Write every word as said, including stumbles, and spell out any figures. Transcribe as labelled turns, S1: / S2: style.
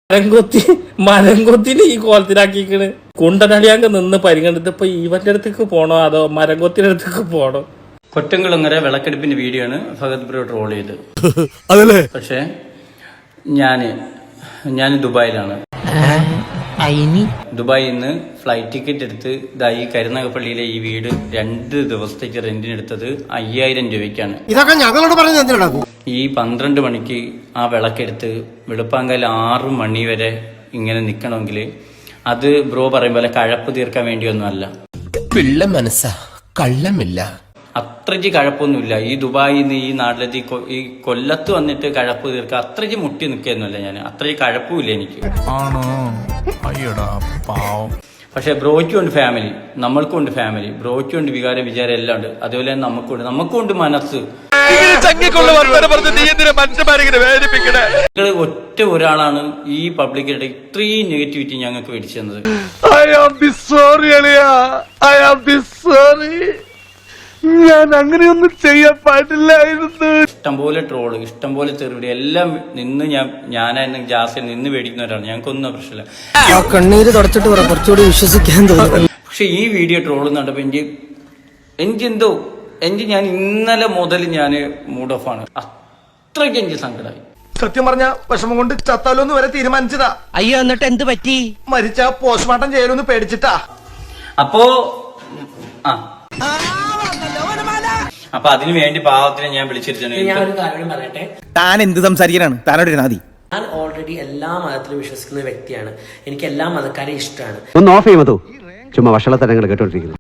S1: മരംകൊത്തി മരംകൊത്തിന് ഈ കോലത്തിലാക്കിക്കണ്. കുണ്ടനടിയാങ്ക് നിന്ന് പരിഗണിത്ത് ഇപ്പൊ ഇവന്റെ അടുത്തേക്ക് പോണോ അതോ മരംകൊത്തിന്റെ അടുത്തേക്ക് പോണോ?
S2: കൊറ്റംകുളങ്ങര വിളക്കെടുപ്പിന്റെ വീഡിയോ ആണ് ഫഹദ് ബ്രോ ട്രോൾ ചെയ്ത്. പക്ഷെ ഞാന് ഞാൻ ദുബായിലാണ്. ദുബായിൽ നിന്ന് ഫ്ലൈറ്റ് ടിക്കറ്റ് എടുത്ത് ഇതായി കരുനാഗപ്പള്ളിയിലെ ഈ വീട് രണ്ട് ദിവസത്തേക്ക് റെന്റിനെടുത്തത് അയ്യായിരം രൂപയ്ക്കാണ്.
S3: ഇതൊക്കെ ഞങ്ങളോട് പറഞ്ഞു.
S2: ഈ പന്ത്രണ്ട് മണിക്ക് ആ വിളക്കെടുത്ത് വെളുപ്പാങ്കാലം ആറു മണി വരെ ഇങ്ങനെ നിക്കണമെങ്കിൽ അത് ബ്രോ പറയും പോലെ കഴപ്പ് തീർക്കാൻ വേണ്ടിയൊന്നും അല്ല.
S4: പിള്ള മനസ്സാ കള്ളമില്ല.
S2: അത്രയ്ക്ക് കഴപ്പൊന്നുമില്ല. ഈ ദുബായിൽ നിന്ന് ഈ നാട്ടിലെത്തി ഈ കൊല്ലത്ത് വന്നിട്ട് കഴപ്പ് തീർക്കുക അത്രയ്ക്ക് മുട്ടി നിൽക്കുകയൊന്നുമില്ല ഞാൻ. അത്രയ്ക്ക് കഴപ്പുമില്ല എനിക്ക്. പക്ഷെ ബ്രോയ്ക്കും ഉണ്ട് ഫാമിലി, നമ്മൾക്കും ഉണ്ട് ഫാമിലി. ബ്രോയ്ക്കും ഉണ്ട് വികാരം വിചാരം എല്ലാം ഉണ്ട്. അതുപോലെ തന്നെ നമുക്കുണ്ട് നമുക്കുണ്ട് മനസ്സ്. നിങ്ങൾ ഒറ്റ ഒരാളാണ് ഈ പബ്ലിക്കിടെ ഇത്രയും നെഗറ്റിവിറ്റി ഞങ്ങൾക്ക് മേടിച്ചു തന്നത്.
S3: ഞാൻ അങ്ങനെയൊന്നും ചെയ്യാൻ പാടില്ലായിരുന്നു.
S2: ഇഷ്ടംപോലെ ട്രോള്, ഇഷ്ടംപോലെ തെറിവിടി എല്ലാം നിന്ന് ഞാൻ ഞാനായിരുന്നു ജാസിൽ നിന്ന് മേടിക്കുന്നവരാണ്. ഞങ്ങൾക്കൊന്നും പ്രശ്നമില്ല.
S3: കണ്ണീര് തുടച്ചിട്ട് കുറച്ചുകൂടി വിശ്വസിക്കാൻ തോന്നുന്നു.
S2: പക്ഷെ ഈ വീഡിയോ ട്രോള് നടപ്പോ എനിക്ക് എനിക്കെന്തോ എനിക്ക് ഞാൻ ഇന്നലെ മുതൽ ഞാൻ മൂഡ് ഓഫ് ആണ്. അത്രയ്ക്ക് എനിക്ക് സങ്കടമായി.
S5: സത്യം പറഞ്ഞ വിഷമം കൊണ്ട് ചത്താലോന്ന് വരെ തീരുമാനിച്ചതാ.
S3: അയ്യോ എന്നിട്ട് എന്ത് പറ്റി?
S5: മരിച്ച പോസ്റ്റ്മോർട്ടം ചെയ്യലൊന്ന് പേടിച്ചിട്ടാ.
S2: അപ്പോ ആ അപ്പൊ അതിനു വേണ്ടി പാവത്തിനെ ഞാൻ വിളിച്ചിരുന്നു.
S6: ഞാൻ ഒരു കാര്യം പറയട്ടെ.
S3: താൻ എന്ത് സംസാരിക്കാനാണ്? താനോട് നാദി.
S6: ഞാൻ ഓൾറെഡി എല്ലാ മതത്തിലും വിശ്വസിക്കുന്ന വ്യക്തിയാണ്. എനിക്ക് എല്ലാ മതക്കാരെയും ഇഷ്ടമാണ്.
S7: ഒന്ന് ഓഫ് ചെയ്യുമോ? ചുമ്മാ വഷളത്തരങ്ങൾ കേട്ടോണ്ടിരിക്കുന്നു.